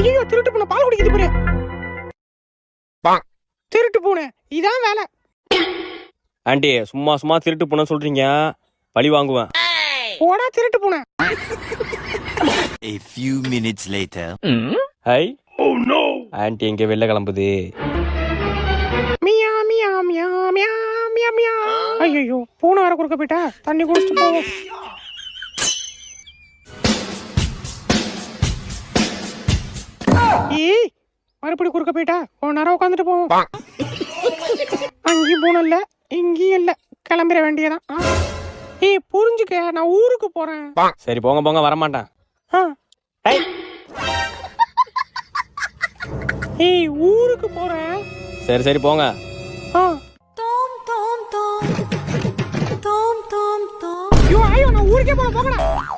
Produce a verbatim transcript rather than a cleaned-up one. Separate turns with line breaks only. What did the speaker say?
ஐயோ திருட்டு பூனை பால் குடிக்குது பாரு. திருட்டு பூனை இதான் வேலை.
ஆண்டி சும்மா சும்மா திருட்டு பூனை சொல்றீங்க, பழி வாங்குவேன்.
போடா திருட்டு பூனை.
A few minutes later.
Hi oh no, aunty எங்க வெளில கிளம்புது.
மியா மியா மியா மியா மியா மியா. ஐயோ பூனை வர குறுக்க போயிட்டா, தண்ணி குடிச்சிட்டு போவோம். ஏய் மறுபடி குறுக்க போயிட்டா, கொஞ்ச நேரம் உட்காந்துட்டு போவோம். அங்கேயும் பூனை இல்ல இங்கேயும் இல்ல, கிளம்பிட வேண்டியதான். ஏய் புரிஞ்சுக்க, நான் ஊருக்கு போறேன்.
சரி போங்க போங்க, வரமாட்டேன்.
ஏய் ஊருக்கு போறேன்.
சரி சரி போங்க.
ஐயோ ஐயோ நான் ஊருக்கே போல போகலாம்.